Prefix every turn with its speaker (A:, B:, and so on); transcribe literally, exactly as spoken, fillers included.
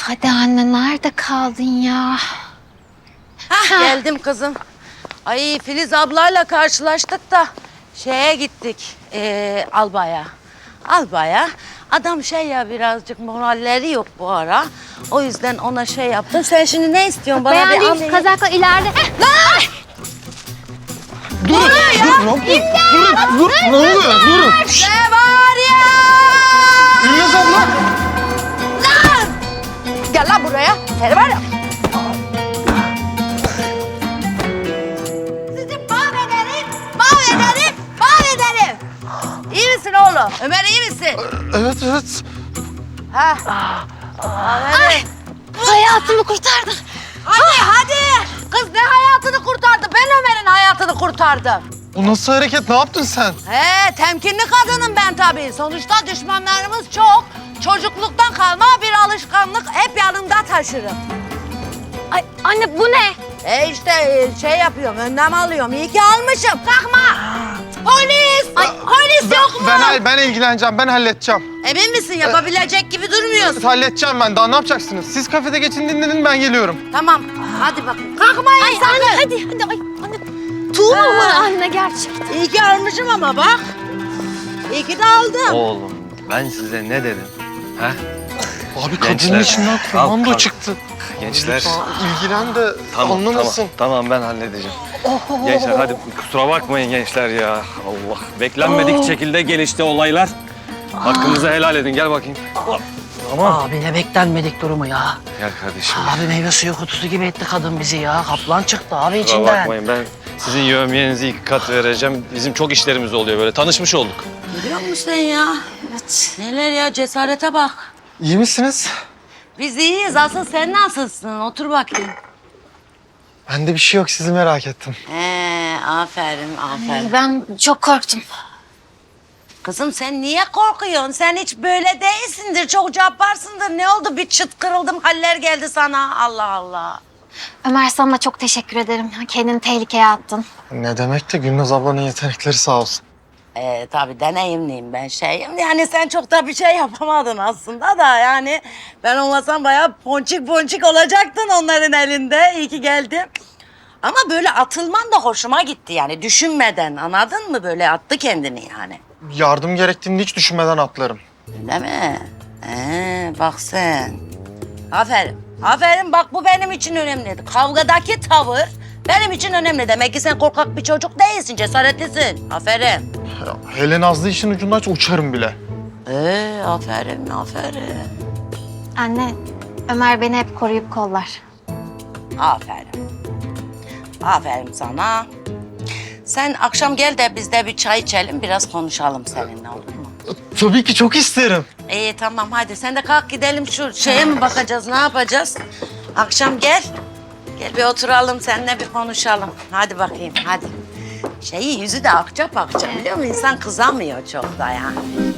A: hadi anne nerede kaldın ya?
B: Hah, geldim kızım. Ay Filiz ablayla karşılaştık da şeye gittik ee, Alba'ya. Alba'ya. Adam şey ya birazcık moralleri yok bu ara. O yüzden ona şey yaptım. Sen şimdi ne istiyorsun bana bir
A: Beğendiğim
B: alayım.
A: kazakla ileride.
B: Lan!
C: Durun, dur, durun, durun, dur, ne oluyor? Durun. Şşt,
B: Ne var ya?
C: Gülnaz abla.
B: Lan! Gel lan buraya. Seni var ya. Sizi mahvederim, mahvederim, mahvederim. İyi misin oğlum? Ömer iyi misin?
C: Evet, evet.
B: Ha. Ay.
A: Hayatımı kurtardın.
B: Hadi hadi. Kız ne hayatını kurtardı? Ben Ömer'in hayatını kurtardım.
C: Bu nasıl hareket? Ne yaptın sen?
B: He, temkinli kadınım ben tabii. Sonuçta düşmanlarımız çok. Çocukluktan kalma bir alışkanlık. Hep yanımda taşırım.
A: Ay anne bu ne?
B: E işte e, şey yapıyorum, önlem alıyorum. İyi ki almışım. Kalkma. Polis. Ay, polis
C: Ben,
B: yok mu?
C: ben, ben ilgileneceğim, ben halledeceğim.
B: Emin misin? Yapabilecek gibi durmuyorsun.
C: Halledeceğim ben. Daha ne yapacaksınız? Siz kafede geçin dinlenin, ben geliyorum.
B: Tamam. Hadi bakın. Kalkmayın
A: Ay
B: sakın.
A: anne hadi hadi ay anne. Tuğla
B: Ha.
A: mı anne gerçekten?
B: İyi ki almışım ama bak. İyi ki de aldım.
D: Oğlum ben size ne dedim? Ha?
C: Abi
D: Gençler,
C: kadının içinden
D: kalk,
C: komando
D: kalk.
C: çıktı.
D: Gençler.
C: Lütfen ilgilen de
D: Tamam,
C: anlamasın.
D: tamam, tamam ben halledeceğim. Gençler hadi kusura bakmayın gençler ya. Allah beklenmedik şekilde gelişti olaylar. Hakkınızı helal edin gel bakayım. Tamam.
E: Abi ne beklenmedik durumu ya.
D: Gel kardeşim.
E: Abi meyve suyu kutusu gibi etti kadın bizi ya. Kaplan çıktı abi
D: Kusura
E: içinden.
D: bakmayın ben sizin yövmiyenizi iki kat vereceğim. Bizim çok işlerimiz oluyor böyle tanışmış olduk.
B: Biliyor musun sen ya?
A: Evet.
B: Neler ya, cesarete bak.
C: İyi misiniz?
B: Biz iyiyiz. Asıl sen nasılsın? Otur bakayım.
C: Bende bir şey yok, sizi merak ettim.
B: He, aferin, aferin.
A: Ben çok korktum.
B: Kızım sen niye korkuyorsun? Sen hiç böyle değilsindir. Çok cabbarsındır. Ne oldu? Bir çıt kırıldım. Haller geldi sana. Allah Allah.
A: Ömer sana çok teşekkür ederim. Kendini tehlikeye attın.
C: Ne demek de Gülnaz ablanın yetenekleri sağ olsun.
B: Ee, tabii deneyimliyim ben şeyim. Yani sen çok da bir şey yapamadın aslında da yani ben olmasam bayağı ponçik ponçik olacaktın onların elinde. İyi ki geldim. Ama böyle atılman da hoşuma gitti yani düşünmeden, anladın mı? Böyle attı kendini yani.
C: Yardım gerektiğinde hiç düşünmeden atlarım.
B: Değil mi? Ee, bak sen. Aferin. Aferin bak bu benim için önemli. Kavgadaki tavır benim için önemli. Demek ki sen korkak bir çocuk değilsin, cesaretlisin. Aferin.
C: Ya, hele Nazlı işin ucundaysa uçarım bile.
B: Ee, aferin, aferin.
A: Anne Ömer beni hep koruyup kollar.
B: Aferin. Aferin sana. Sen akşam gel de biz de bir çay içelim, biraz konuşalım seninle, olur mu?
C: Tabii ki çok isterim.
B: İyi tamam hadi sen de kalk gidelim şu şeye mi bakacağız, ne yapacağız? Akşam gel. Gel bir oturalım seninle bir konuşalım. Hadi bakayım hadi. Şeyi yüzü de akça pakça biliyor musun? İnsan kızamıyor çok da yani.